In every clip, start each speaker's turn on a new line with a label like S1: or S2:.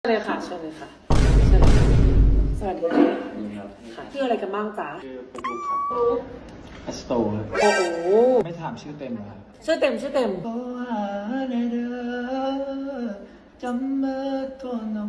S1: เลยค่ะเชิญเลยค่ะเชิญเลยสวัสดีค่ะค่ะชื่ออะไรกันบ้างจ๊ะ
S2: ชื่อปุ๊กลุกครับ
S1: ปุ๊ก
S2: อัสโตครับ
S1: โอ้โห
S2: ไม่ถามชื่อเต็มเหรอครับ
S1: ชื่อเต็มชื่อเต็ม
S2: โอ้หาในเด้อจำเบอร์ตัวน้อง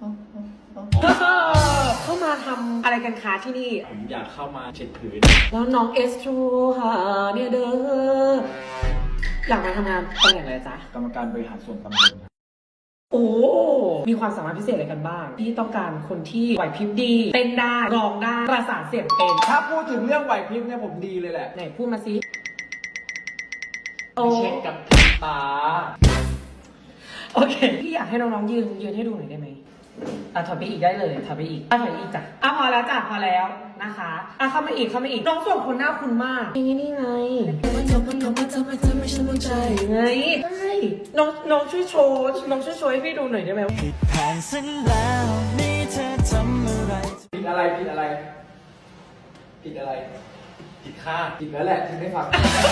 S1: เข้ามาทำอะไรกันคะที่นี่
S2: ผมอยากเข้ามาเช็ดผืน
S1: แล้วน้องเอสโทรหาเนี่ยเด้ออยากมาทำงานตำแหน่งอะไรจ๊ะ
S2: กรรมการบริหารส่วนตำบลครับ
S1: โอ้มีความสามารถพิเศษอะไรกันบ้างที่ต้องการคนที่ไหวพริบดีเต้นได้ร้องได้ประสานเสียงเป็น
S2: ถ้าพูดถึงเรื่องไหวพริบเนี่ยผมดีเลยแหละ
S1: ไหนพูดมาสิ
S2: ไปเช็คกับพี่ตา
S1: โอเคพี่อยากให้น้องๆยืนให้ดูหน่อยได้ไหมถอยไปอีกได้เลยถอยไปอีกถอยอีกจ้ะพอแล้วจ้ะพอแล้วนะคะเข้ามาอีกน้องส่งคนหน้าคุณมากนี่ไงไงใช่น้องช่วยโชว์ให้พี่ดูหน่อยได้ไหม
S3: ผิดแผนซะแล้วนี่เธอทำอะไร
S2: ผิดอะไรผิดอะไรผิดอะไรผิดค่าผิดแล้วแหละที่ไม่ฟัง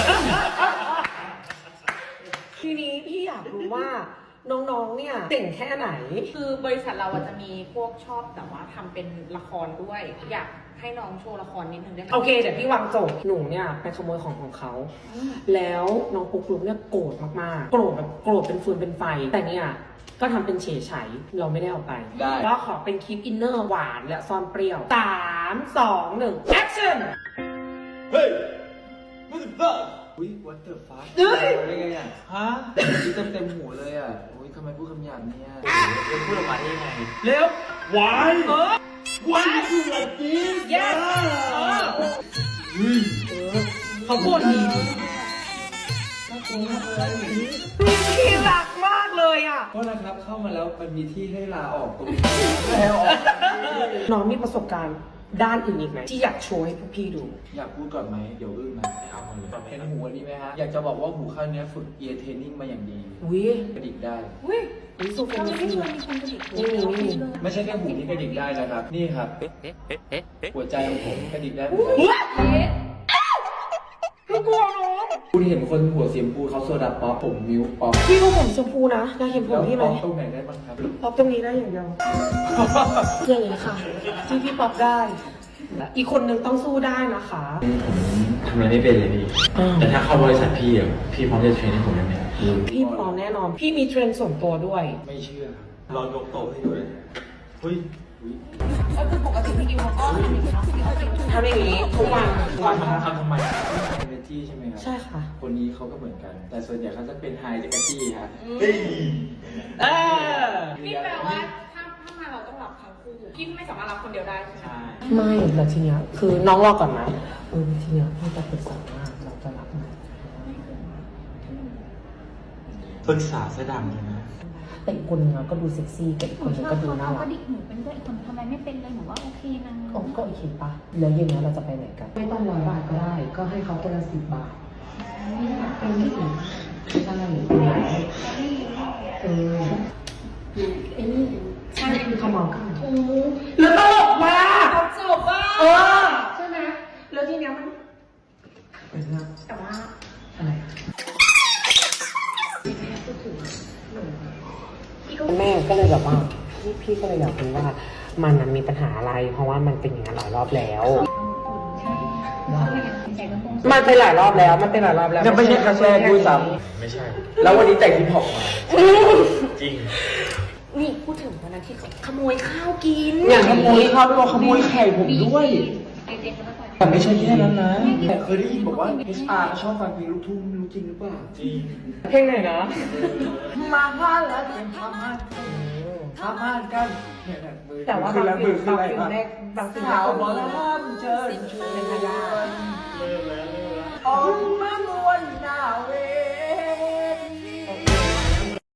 S1: ทีนี้พี่อยากรู้ว่าน้องๆเนี่ยเก่งแค่ไหน
S4: คือบริษัทเราจะมีพวกชอบแต่ว่าทำเป็นละครด้วย อยากให้น้องโชว์ละครนิดนึงได้ไหม
S1: โอเคเดี๋ยวพี่วางโจทย์หนูเนี่ยไปขโมยของเขาแล้วน้องปุ๊กลุ๊กเนี่ยโกรธมากๆโกรธแบบโกรธเป็นฟืนเป็นไฟแต่เนี่ยก็ทำเป็นเฉยไฉเราไม่ได้เอาไป
S2: ได้
S1: ก็ขอเป็นคลิปอินเนอร์หวานและซ่อนเปรี้ยว3 2 1 action
S2: เฮ้ยwhat the fuck อุ้ย what the fuck
S1: เฮ้ย
S2: ได้ไงอ่ะฮะนี่เต็มหัวเลยอ่ะอุ้ยทำไมพูดคำหยาบเนี่ยพูดออกมาได้ยังไง
S1: เร็ว
S2: why
S1: เออ
S2: why you do like this
S1: yes เขาพูดดีพี่รักมากเลยอ่ะ
S2: ก็นะครับเข้ามาแล้วมันมีที่ให้ลาออกตรงนี้แล้วออก
S1: น้องมีประสบการณ์ด้านอื่นอีกไหมที่อยากโชว์ให้พวกพี่ดู
S2: อยากพูดก่อนไหมเดี๋ยวอึ้งนะเอาก่อนเลยเห็นหูอันนี้ไหมฮะอยากจะบอกว่าหูข้างเนี้ยฝึก ear training มาอย่างดี
S1: อุ้ย
S2: กระดิกได้
S4: อุ้ย
S1: อุ้ยสุด
S4: ทำไม
S1: จริ
S4: ไม่
S1: ง
S4: ชวนมีคนกระดิกหู
S1: นี่
S2: ไม่ใช่แค่หูที่กระดิกได้นะครับ นี่ครับ หัวใจของผมกระดิกได้เหมือนกัน
S1: พี่กลัวน้อง
S2: คุณเห็นคนหัวเสียมพูเขาโซดาป๊อปผมมิวป๊อป
S1: พี่ก็ผมชมพูนะอยากเห็นผม
S2: แล้ว
S1: พี่ไหม
S2: ป๊อปตรงไหนได้บ้างครับ
S1: ป๊อปตรงนี้ได้อย่างเดียวอย่างนี้ค่ะที่พี่ป๊อปได้ อีกคนนึงต้องสู้ได้นะคะ
S5: ทำอะไรไม่เป็นเลยพี่ แต่ถ้าเข้าบริษัทพี่อ่ะพี่พร้อมจะเทรนให้ผมได้ไหม
S1: พี่พร้อมแน่นอน พี่มีเทรนด์ส่วนตัวด้วย
S2: ไม่เชื่อ
S5: ลองยกโต๊ะให้ดูเลยเฮ้ย
S4: ก็คือปกติพี่อิวเขาก็ทำอย่างนี้เนาะ
S1: ทำอย่างนี้ทุกวัน
S5: ทำทำไม
S2: เอเนจีใช่ไหมครับ
S1: ใช่ค่ะ
S2: คนนี้เขาก็เหมือนกัน แต่ส่วนใหญ่เขาจะเป็นไฮเดกจี้ฮะ
S1: เออ
S4: นี่แปลว่าถ้ามาเราต้องรับทั้งคู่พี่ไม่สามารถรับคนเดียวได้ใช่ไหม
S2: ใช่
S1: ไม่แล้วทีเนี้ยคือน้องรอก่อนนะทีเนี้ยพี่จะปรึกษาว่าเราจะรับไหม
S5: ปรึกษาเสื้อดำเลยนะ
S1: แต่อีกคนนึงอะก็ดูเซ็กซี่แต่อีกคนนึงก็ดูน่า
S6: เขา
S1: รั
S6: ก็
S1: ก
S6: ดิกหนูเป็นด้วยอีกคนทำไมไม่เป็นเลยหนูว่าโอเคนะ
S1: ก็โอเคปะแล้วเย็นนี้เราจะไปไหนกัน ไม่ต้อง100 บาทก็ได้ ก็ให้เขาคนละ10 บาทเป็นที่อื่นใช่ไอ้นี่ใช่คือเขาเมากันแล้วตลกมาก
S4: จบว่า
S1: ใช่ไหมแล้วทีเนี้ยมันแต่ว่าอะไรแม่ก็เลยแบบว่าพี่ก็เลยอยากรู้ว่ามันมีปัญหาอะไร เพราะว่ามันเป็นอย่างนั้นหลายรอบแล้ว มันเป็นหลายรอบแล้ว
S2: ยังไม่ใช่ครั้งแรกด้วยซ้
S5: ไม่ใช่
S2: ำแล้ววันนี้แต่งฮิปฮอปมา
S5: จริง
S4: นี่พูดถึงวันนั้นที่เขาขโมยข้าวกิน
S2: อย่างขโมยข้าวด้วยขโมยไข่ผมด้วย
S6: เด็กๆก็ต้องไป
S2: แต่ไม่ใช่แค่นั้นนะแต่เคยได้ยินบอกว่า HR ชอบฟังเพลงลูกทุ่งไม่รู้จริงหรือเปล่า
S5: จริง
S1: เพลงไหนนะ
S2: มาพลาดแล้วทำมาทำมากันเนี่ยมือ
S1: แต่ว่า
S2: ขึ้นแล้วมือขึ้น
S1: บาง
S2: แล้ว
S1: สิ่งแรกบางสิ่งแร
S2: สาก ว
S1: ก็
S2: บอล
S1: มี
S2: ล่ำเชิญชวน